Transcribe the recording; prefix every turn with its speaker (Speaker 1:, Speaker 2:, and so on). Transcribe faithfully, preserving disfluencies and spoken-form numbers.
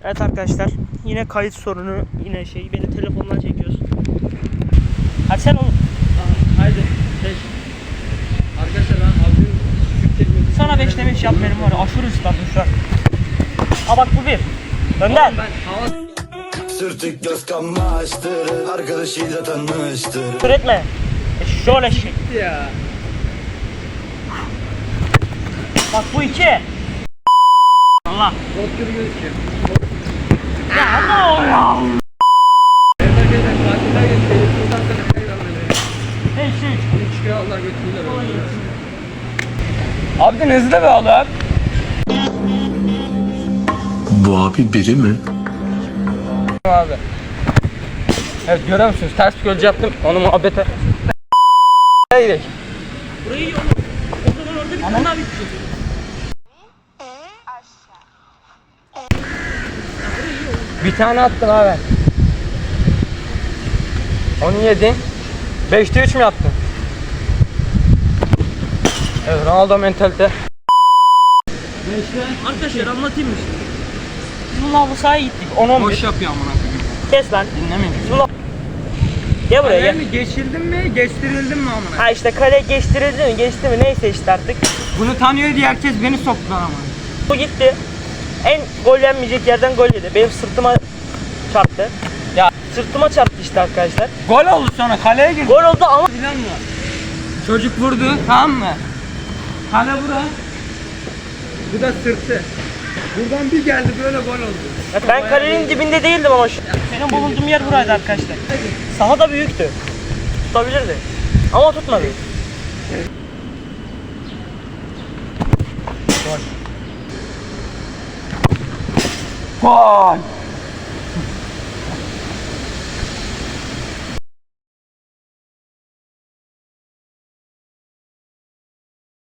Speaker 1: Evet arkadaşlar, yine kayıt sorunu, yine şey, beni telefondan çekiyoruz. Hadi sen oğlum.
Speaker 2: Aha, haydi beş. Arkadaşlar ben abim küçük teknik.
Speaker 1: Sana beş demiş yap benim var ya, aşırı ıslandım şu an. Aa bak bu bir. Gönder.
Speaker 2: Ben hava...
Speaker 3: Sürtük göz kamaştırır, arkadaşıyla tanıştırır.
Speaker 1: Küfür etme. E şöyle şey.
Speaker 2: Gitti ya.
Speaker 1: Bak bu iki. Allah.
Speaker 2: Bot gibi gözüküyor.
Speaker 1: Ya Allah ya.
Speaker 2: Evet arkadaşlar tatiller geçti. Buradan sonra kayır alıyor.
Speaker 1: Hey şey.
Speaker 2: Onu çıkıyor Allah götürürler. Abi hızlı da be oğlum.
Speaker 3: Bu abi biri mi?
Speaker 2: Abi. Evet görüyor musunuz? Ters bir gölce yaptım. Onu muhabbete. Haydi.
Speaker 1: Burayı iyi oğlum. O zaman orada bir tane daha bitecek.
Speaker 2: Bir tane attım abi. Onu yedin. Beşte üç mü yaptın? Evet Ronaldo mentalite.
Speaker 1: Arkadaşlar anlatayım mı şimdi? Biz bununla halı sahaya gittik. on on bir.
Speaker 2: Boş yapıyor amına koyayım.
Speaker 1: Kes lan.
Speaker 2: Dinlemeyin.
Speaker 1: Biz bununla... Gel buraya gel.
Speaker 2: mi geçildin mi, geçtirildin mi amına?
Speaker 1: Ha işte kale geçtirildi mi geçti mi neyse işte artık.
Speaker 2: Bunu tanıyor diye herkes beni soktu lan ama.
Speaker 1: Bu gitti. En gol yenmeyecek yerden gol yedi. Benim sırtıma çarptı.
Speaker 2: Ya
Speaker 1: Sırtıma çarptı işte arkadaşlar.
Speaker 2: gol oldu sonra kaleye girdi.
Speaker 1: Gol oldu ama
Speaker 2: Bilen mi? Çocuk vurdu tamam mı? Kale bura. Bu da sırtı. Buradan bir geldi böyle gol oldu.
Speaker 1: ya ben kalenin dibinde değildim ama şu. Benim bulunduğum yer buraydı arkadaşlar. Saha da büyüktü. Tutabilirdi. Ama tutmadı.
Speaker 2: Gol.